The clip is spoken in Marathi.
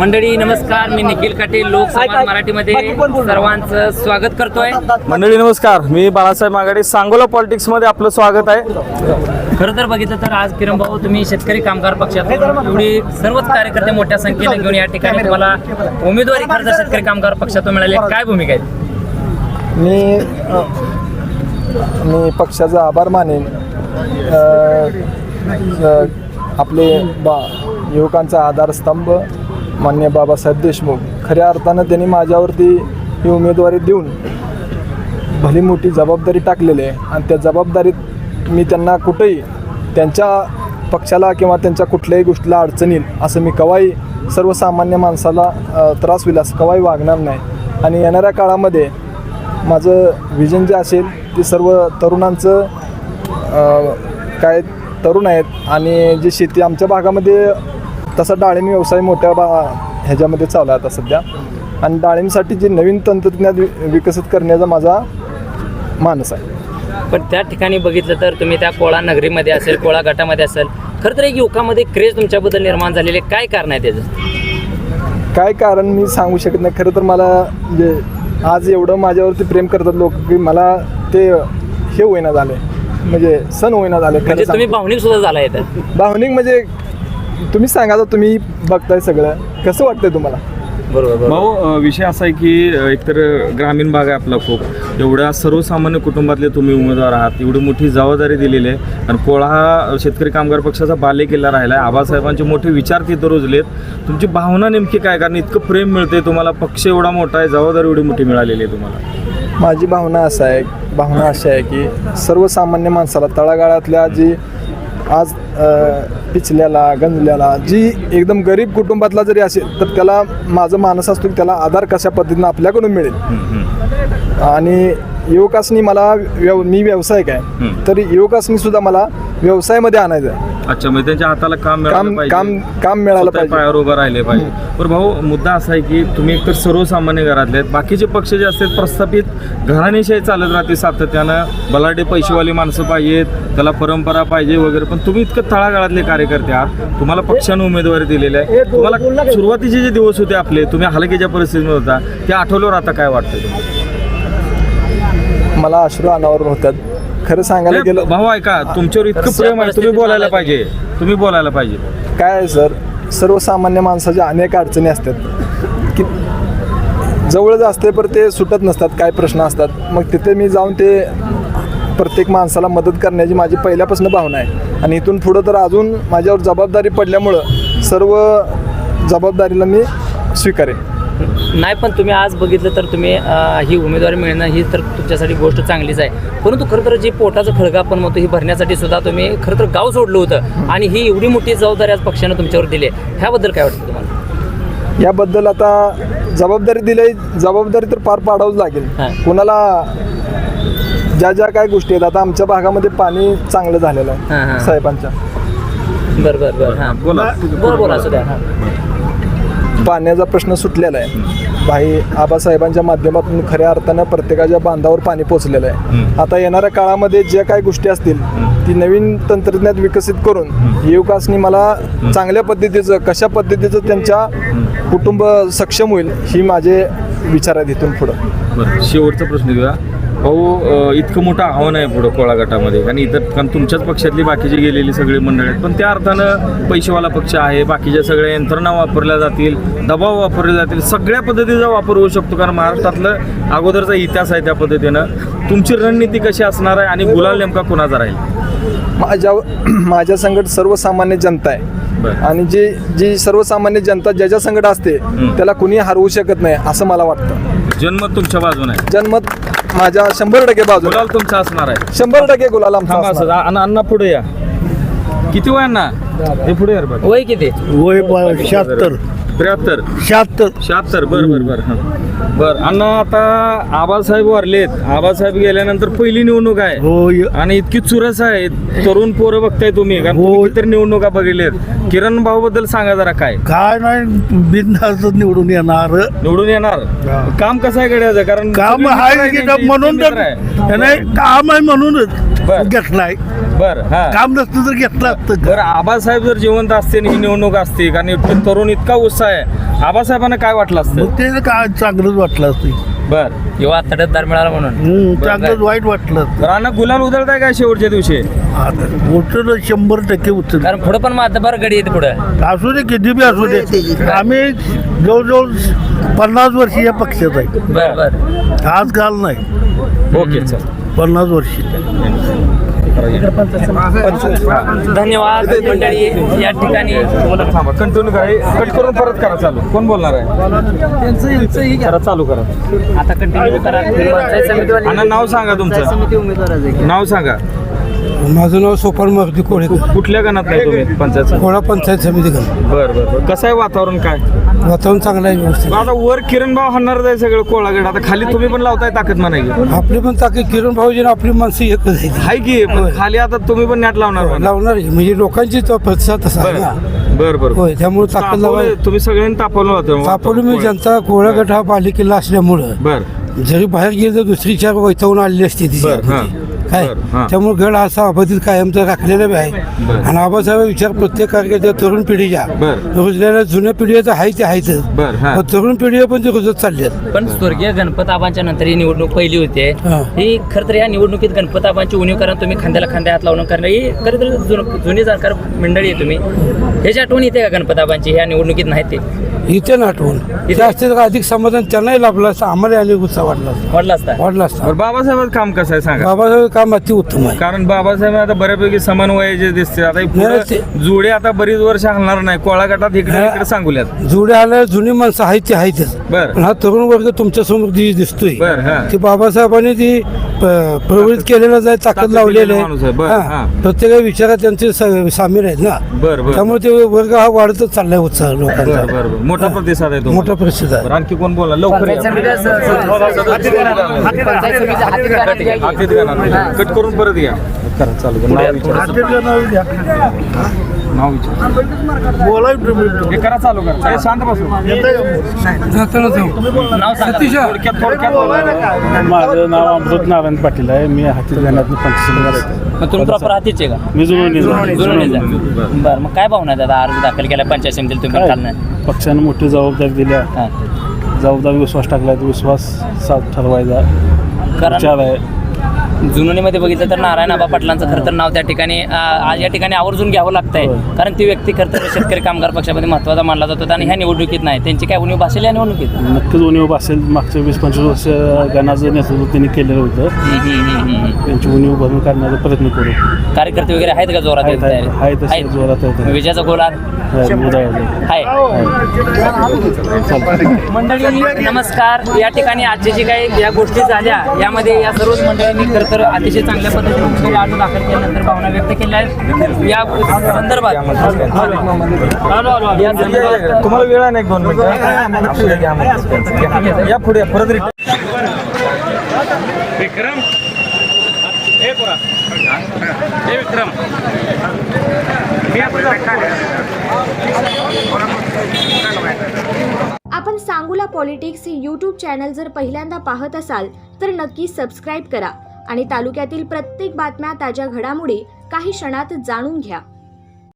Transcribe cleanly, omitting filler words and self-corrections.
मंडळी नमस्कार, मी निखिल काटे लोकसंवाद मराठीमध्ये सर्वांचं स्वागत करतोय. मंडळी नमस्कार, मी बाळासाहेब मागाडे, सांगोला पॉलिटिक्स मध्ये आपलं स्वागत आहे. खरं तर बघितलं तर आज किरण भाऊ तुम्ही शेतकरी कामगार पक्षातून एवढी सर्वच कार्यकर्ते मोठ्या संख्येने घेऊन या ठिकाणी तुम्हाला उमेदवारी खरं तर शेतकरी कामगार पक्षातून मिळाली, काय भूमिका आहे? मी पक्षाचा आभार मानेन. आपले युवकांचा आधारस्तंभ माननीय बाबासाहेब देशमुख, खऱ्या अर्थानं त्यांनी माझ्यावरती ही उमेदवारी देऊन भली मोठी जबाबदारी टाकलेली आहे आणि त्या जबाबदारीत मी त्यांना कुठेही त्यांच्या पक्षाला किंवा त्यांच्या कुठल्याही गोष्टीला अडचण येईल असं मी कवाही सर्वसामान्य माणसाला त्रास होईल असं कवाही वागणार नाही. आणि येणाऱ्या काळामध्ये माझं विजन जे असेल ते सर्व तरुणांचं काय तरुण आहेत आणि जी शेती आमच्या भागामध्ये तसा डाळिंब व्यवसाय मोठ्या ह्याच्यामध्ये चालू आहे आता सध्या, आणि डाळिंबसाठी जे नवीन तंत्रज्ञान विकसित करण्याचा माझा मानस आहे. पण त्या ठिकाणी बघितलं तर तुम्ही त्या कोळा नगरीमध्ये असेल, कोळा गटामध्ये असेल, खरं तर एक युवकामध्ये क्रेज तुमच्याबद्दल निर्माण झालेले, काय कारण आहे त्याचं? काय कारण मी सांगू शकत नाही. खरं तर मला म्हणजे आज एवढं माझ्यावरती प्रेम करतात लोक की मला ते हे होईना झाले, म्हणजे सण होईना झाले. म्हणजे तुम्ही भावनिक सुद्धा झाला येतात? भावनिक म्हणजे तुम्ही सांगा, तर तुम्ही बघताय सगळं, कसं वाटतंय तुम्हाला? बरोबर भाऊ, विषय असा आहे की एकतर ग्रामीण भाग आहे आपला खूप, एवढ्या सर्वसामान्य कुटुंबातले तुम्ही उमेदवार आहात, एवढी मोठी जबाबदारी दिलेली आहे आणि कोळा हा शेतकरी कामगार पक्षाचा बालेकिल्ला राहिला आहे. आबासाहेबांचे मोठे विचार तिथं रुजलेत. तुमची भावना नेमकी काय? कारण इतकं प्रेम मिळते तुम्हाला, पक्ष एवढा मोठा आहे, जबाबदारी एवढी मोठी मिळालेली आहे तुम्हाला. माझी भावना अशी आहे की सर्वसामान्य माणसाला तळागाळातल्या जी आज पिचल्याला गंजल्याला जी एकदम गरीब कुटुंबातला जरी असेल तर त्याला माझं मानस असतो की त्याला आधार कशा पद्धतीनं आपल्याकडून मिळेल. आणि युवकासनी मला मी व्यावसायिक आहे, तर युवकासनी सुद्धा मला व्यवसायामध्ये आणायचं आहे. अच्छा, म्हणजे त्यांच्या हाताला काम मिळालं पाहिजे, पायावर उभं राहिले पाहिजे. पण भाऊ, मुद्दा असा आहे की तुम्ही एकतर सर्वसामान्य घरातले आहेत, बाकीचे पक्ष जे असतात प्रस्थापित घराणेशाही चालत राहते सातत्यानं, बलाढ्य पैसेवाली माणसं पाहिजेत, त्याला परंपरा पाहिजे वगैरे, पण तुम्ही इतकं तळागाळातले कार्यकर्ते आहात, तुम्हाला पक्षानं उमेदवारी दिलेली आहे. तुम्हाला सुरुवातीचे जे दिवस होते आपले, तुम्ही हलकीच्या परिस्थितीमध्ये होता, ते आठवल्यावर आता काय वाटतं तुम्हाला? मला अश्रू अनावर होतात. खरं सांगायला गेलं भाऊ, ऐका, तुमच्यावर इतकं प्रेम आहे, तुम्ही बोलायला पाहिजे. काय आहे सर, सर्वसामान्य माणसाच्या अनेक अडचणी असतात की जवळच असते पण ते सुटत नसतात, काय प्रश्न असतात. मग तिथे मी जाऊन ते प्रत्येक माणसाला मदत करण्याची माझी पहिल्यापासून भावना आहे आणि इथून पुढं तर अजून माझ्यावर जबाबदारी पडल्यामुळं सर्व जबाबदारीला मी स्वीकारेन. नाही, पण तुम्ही आज बघितलं तर तुम्ही ही उमेदवारी मिळणं ही तर तुमच्यासाठी गोष्ट चांगलीच आहे, परंतु खरं तर जे पोटाचं खळगा आपण म्हणतो ही भरण्यासाठी सुद्धा तुम्ही खरं तर गाव सोडलं होतं आणि ही एवढी मोठी जबाबदारी आज पक्षानं तुमच्यावर दिली आहे, ह्याबद्दल काय वाटतं तुम्हाला? याबद्दल आता जबाबदारी तर पार पाडावंच लागेल. कोणाला ज्या काय गोष्टी आहेत, आता आमच्या भागामध्ये पाणी चांगलं झालेलं आहे साहेबांच्या. बरं हां, बोला सुद्धा. पाण्याचा प्रश्न सुटलेला आहे. आबासाहेबांच्या माध्यमातून खऱ्या अर्थानं प्रत्येकाच्या बांधावर पाणी पोचलेलं आहे. आता येणाऱ्या काळामध्ये ज्या काही गोष्टी असतील ती नवीन तंत्रज्ञान विकसित करून युवकांनी मला चांगल्या पद्धतीचं कशा पद्धतीचं त्यांच्या कुटुंब सक्षम होईल ही माझे विचार आहेत इथून पुढं. शेवटचा प्रश्न घेऊया भाऊ, इतकं मोठं आव्हान आहे पुढं कोळा गटामध्ये आणि इतर, कारण तुमच्याच पक्षातली बाकीची गेलेली सगळी मंडळी आहेत, पण त्या अर्थानं पैसेवाला पक्ष आहे, बाकीच्या सगळ्या यंत्रणा वापरल्या जातील, दबाव वापरले जातील, सगळ्या पद्धतीचा वापर होऊ शकतो, कारण महाराष्ट्रातलं अगोदरचा इतिहास आहे त्या पद्धतीनं. तुमची रणनीती कशी असणार आहे आणि गुलाल नेमका कोणाचा राहील? माझ्या संकट सर्वसामान्य जनता आहे आणि जी सर्वसामान्य जनता ज्याच्या संकट असते त्याला कुणी हरवू शकत नाही असं मला वाटतं. जनमत तुमच्या बाजूने आहे? जनमत माझ्या 100% बाजू. गुलाल तुमचा असणार आहे? 100% गुलाल आमचा. अण्णा पुढे या. किती वय अण्णा? हे पुढे यार. वय किती? वय 76 73 76. बरं. बर अण्णा, आता आबासाहेब वारलेत, आबासाहेब गेल्यानंतर पहिली निवडणूक आहे हो आणि इतकी चुरस आहे, तरुण पोरं बघताय तुम्ही, कारण तुम्ही कितीतरी निवडणुका बघितलेत. किरण भाऊ बद्दल सांगा जरा, काय काय नाही बिनधास्त निवडून येणार. निवडून येणार? काम कसं आहे गड्याचं? कारण काम आहे की म्हणून तर नाही, काम आहे म्हणूनच घेतलाय. बर हा, काम नसतं तर घेतलं असतं. बरं आबासाहेब जर जिवंत असते आणि ही निवडणूक असते, कारण इतके तरुण इतका उत्साह आहे, आबासाहेबांना काय वाटलं असतं? मग ते काय चांगलंच वाटलं असतं. बर किंवा तडतदार मिळाला म्हणून चांगलंच वाईट वाटलं असतं. राणा गुलाल उधळताय काय शेवटच्या दिवशी? उचल 100% उचल. कारण पुढं पण मातबार गडी येते पुढं. असू दे किती बी असू दे, आम्ही जवळजवळ 50 वर्ष या पक्षात आहे. बर बर. आज काल नाही, ओके चल, 50 वर्ष. धन्यवाद मंडळी. या ठिकाणी थांबा, कंटिन्यू करा, कट करून परत करा चालू. कोण बोलणार आहे? करा चालू करा. आता कंटिन्यू करा. पंचायत समितीवाले आणि नाव सांगा तुमचं. समिती उमेदवाराचे नाव सांगा. माझं नाव सोपान मारुती कोळेकर, कुठल्या गणात नाही तुम्ही? पंचायत. कोळा पंचायत समिती गण. बर बर बर. कसं आहे वातावरण? काय वातावरण चांगलं आहे, व्यवस्थित. आता वर किरण भाव हाणणार आहे सगळं कोळागड, आता खाली तुम्ही पण लावताय ताकद म्हणायची. आपली पण ताकद किरण भाऊजी आपली माणसं एकच आहे. हाय की, पण खाली आता तुम्ही पण नॅट लावणार म्हणा. लावणार आहे. म्हणजे लोकांची तो प्रतिसाद तसा आहे ना. बर बर. होय, त्यामुळे ताकद लावाय. तुम्ही सगळ्यांनी तापवलं होतं. तापवलं मी जनता कोळा गट हा पालिकेला असल्यामुळं बर जरी बाहेर गेलं तर दुसरी चार वैतावून आलेली असते ती बर, हां. काय बर, हां. त्यामुळे गड असा अबाधित कायमचा राखलेला बी आहे. बर. आणि आबासाहेब विचार प्रत्येक कार्यकर्त्या तरुण पिढीच्या बर. रुजलेल्या जुन्या पिढी तर आहे ते आहेच. बर, हां. पण तरुण पिढी पण ते रुजत चालली आहेत. पण स्वर्गीय गणपताबांच्या नंतर ही निवडणूक पहिली होती. हां. ही खरं तर या निवडणुकीत गणपताबांची उणीव करा, तुम्ही खांद्याला खांद्या हात लावून करणं ही खरं तर जुनी जाणकार मंडळी आहे तुम्ही. ह्याची आठवण येते का गणपताबांची? ह्या निवडणुकीत नाही ते इथे नाटवून इथे असते तर अधिक समाधान त्यांनाही लाभलं असतं, आम्हाला अनेक उत्साह वाटला असता. वाढला असता. वाढला असता. बरं, बाबासाहेबांचं काम कसं आहे सांगा. बाबासाहेब काम अति उत्तम आहे. कारण बाबासाहेब आता बऱ्यापैकी समान वयाचे दिसते. आता हे पुढं नाही, जुडे आता बरीच वर्ष हलणार नाही. कोळा गटात इकडे इकडे सांगूल्यात. जुडे आल्या जुनी माणसं आहेत ते आहेतच. बर. पण हा तरुण वर्ग तुमच्या समोर जी दिसतोय बर, हा. ती बाबासाहेबांनी ती प्रवृत्त केलेला जाय ताकद लावलेली माणूस आहे. बर, आहे. हा. हा. प्रत्येक विचारात त्यांचे सामील आहेत ना. बर बर त्यामुळे ते वर्ग हा वाढतच चाललाय उत्साह बर लोकांचा. बर बर. मोठा प्रतिसाद आहे तो. मोठा प्रसिद्ध आहे. बरं, आणखी कोण बोला लवकर या. हातीत घाला. कट करून परत या. करा चालू करा. नाव विचारा. नाव विचारा. बोलाय हे करा चालू करा. हे शांत बसू. जाताना जाऊ. नाव सांगा. थोडक्यात बोला. माझं नाव अमृत नारायण पाटील आहे. मी हाती गाण्यात पंचायत. मग तुम्ही प्रॉपर हातीचे का? मी जुळवणीचा. बरं, मग काय भावना आहे दादा? अर्ज दाखल केला पंचायत समितीला तुम्ही काल नाही? पक्षानं मोठी जबाबदारी दिल्या. हां. जबाबदारी विश्वास टाकला, तो विश्वास साथ ठरवायचा कारण विचार आहे. जुनोनीमध्ये बघितलं तर नारायण आबा पाटलांचं खरं तर नाव त्या ठिकाणी आज या ठिकाणी आवर्जून घ्यावं लागतंय. कारण ती व्यक्ती खरं तर शेतकरी कामगार पक्षामध्ये महत्त्वाचा मानला जातो आणि ह्या निवडणुकीत नाही. त्यांची काय उणीव भासेल या निवडणुकीत? नक्कीच उणीव असेल. मागच्या 20-25 वर्ष गणाचं नेतृत्व त्यांनी केलेलं होतं. त्यांची उणीव भरून काढण्याचा प्रयत्न करू. कार्यकर्ते वगैरे आहेत का जोरात? आहे तसे जोरात आहे. विजयाचा गोल आहे. मंडळी नमस्कार. या ठिकाणी आजच्या जी काही या गोष्टी झाल्या यामध्ये या सर्वच मंडळींनी खरं तर अतिशय चांगल्या पद्धतीने अर्ज दाखल केल्यानंतर भावना व्यक्त केल्या आहेत. या संदर्भात तुम्हाला वेळ आहे ना 1-2 मिनिटं. या पुढे परत विक्रम. हे पुरा. हे विक्रम. आपण सांगूला पॉलिटिक्स हे यूट्यूब चॅनल जर पहिल्यांदा पाहत असाल तर नक्की सबस्क्राईब करा आणि तालुक्यातील प्रत्येक बातम्या, ताज्या घडामोडी काही क्षणात जाणून घ्या.